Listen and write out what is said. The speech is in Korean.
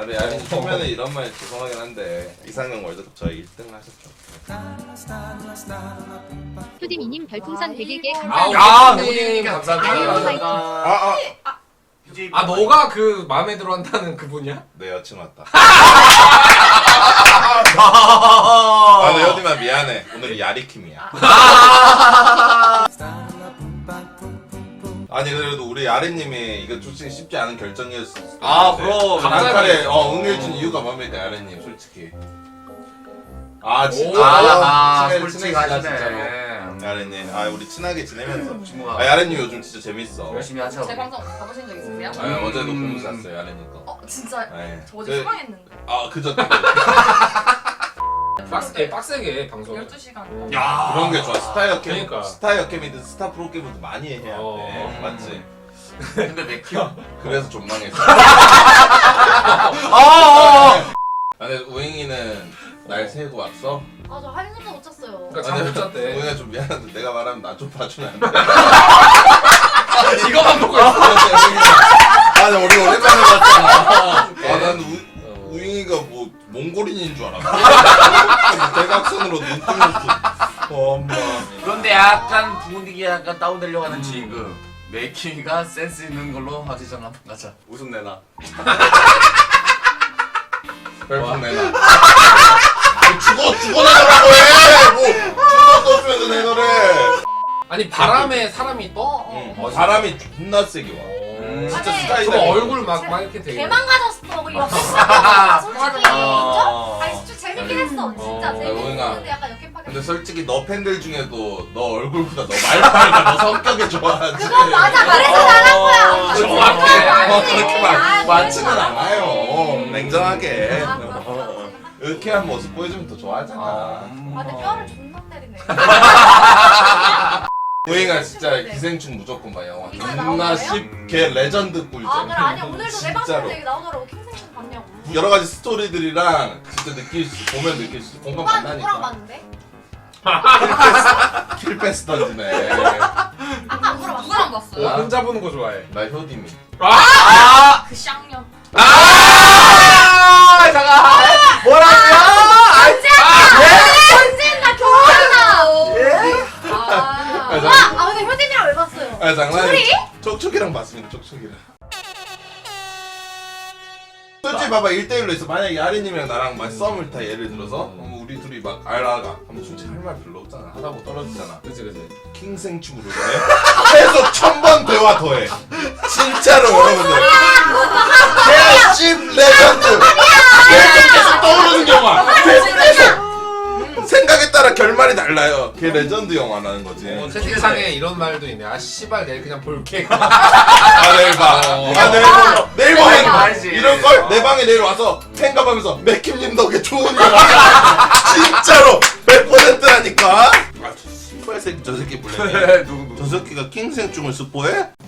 아니 초면에 이런 말 죄송하긴 한데 이상형 월드컵 저희 1등 하셨죠. 효디미님 별풍선 100개 아, 감사합니다. 호디님 감사합니다. 아 너가 그 마음에 들어 한다는 그분이야? 내 여친 왔다. 아, 네, 여디만 미안해. 오늘 야리킴이야. 아니 그래도 우리 야리님이 이거 솔직히 쉽지 않은 결정이었을 수도 아, 있는데 그럼. 단칼에 응해준 이유가 뭡니까 야리님 솔직히. 아 진짜. 솔직하시네. 진짜로. 야리님, 아 우리 친하게 지내면서. 친구가. 아 야리님 요즘 진짜 재밌어. 열심히 하죠. 제 방송 가보신 적 있으세요? 아, 어제도 보면서 잤어요 야리님 거. 진짜 네. 저 어제 사망했는데 아 그저 빡세게 방송. 12시간 야. 그런 게 좋아. 스타 역캠, 그러니까. 스타 역캠이든 스타 프로게임이든 많이 해야 돼. 맞지? 근데 맥히요? 그래서 존망했어. 아니 우잉이는 날 새고 왔어? 저 한숨도 못 잤어요. 그러니까 잠 못 잤대. 우잉아 좀 미안한데 내가 말하면 나 좀 봐주면 안 돼? 이거만 보고 있어. 아니 우리 오랜만에 봤잖아. 난 우잉이가 뭐 몽골인인 줄 알았어. 대각선으로 눈 뜨면서 엄마. 그런데 약간 분위기 약간 다운되려고 하는 지금 맥히가 센스 있는 걸로 화제전 한번 가자. 웃음 내놔. 별풍 내놔. 죽어 내놓으라고 해! 뭐 죽어 떠주면서 내놓으래. 아니 바람에 사람이 떠? 바람이 존나 세게 와. 진짜 아니, 스타일. 저 얼굴 막 이렇게 되게. 개망가졌어. 그 옆에 시작했잖아. 솔직히 맞아. 인정? 아니 좀 재밌긴 했어. 진짜 재밌긴 오잉아. 했는데 약간 역캠파게. 근데 솔직히 너 팬들 중에도 너 얼굴보다 너 말빨과 너 성격이 좋아하지. 그건 맞아. 그래서 잘한 거야. 정확해. 그렇게 아, 많지는 그래서. 않아요. 냉정하게. 아, 맞아. 으쾌한 모습 보여주면 더 좋아하잖아. 근데 뼈를 존나 때리네. 우잉아 진짜 기생충 무조건 봐 영화. 이거에 존나 나오는 쉽게 레전드 꿀잼. 그래 아니야 오늘도 내 진짜로. 방송 얘기 나오더라고. 킹생충 봤냐고. 여러 가지 스토리들이랑 진짜 느낄 수 보면 느낄 수 공감 오빠 누구랑 간다니까. 봤는데? 킬패스 던지네. 아까 누구랑 봤어요? 혼자 보는 거 좋아해. 나 효디미. 그 쌍년. 잠깐. 뭐라고요? 언젠 나 결혼한다. 아, 근데 효진이랑 왜 봤어요? 아 장난이. 둘이? 촉촉이랑 봤습니다. 촉촉이랑. 솔직히 봐봐 1대1로 있어. 만약에 아리님이랑 나랑 막 썸을 타 예를 들어서 우리 둘이 막 알아가 하면 솔직히 할 말 별로 없잖아. 하다 보면 떨어지잖아. 그치. 킹생충으로 해. 계속 1000번 대화 더해. 진짜로 여러분들. 개씹 레전드. 계속 떠오르는 영화. 계속. 생각에 따라 결말이 달라요. 걔 레전드 영화라는 거지. 채팅창에 이런 말도 있네. 아 씨발 내일 그냥 볼게. 아 내일 봐. 아 내일 보면 봐야지. 이럴 걸 내 방에 내일 와서 팬가하면서 맥킴님 덕에 좋은 영화. 진짜로 100%라니까. 아, 저 새끼 저 새끼 불렀네. 누구? 저 새끼가 킹생충을 스포해?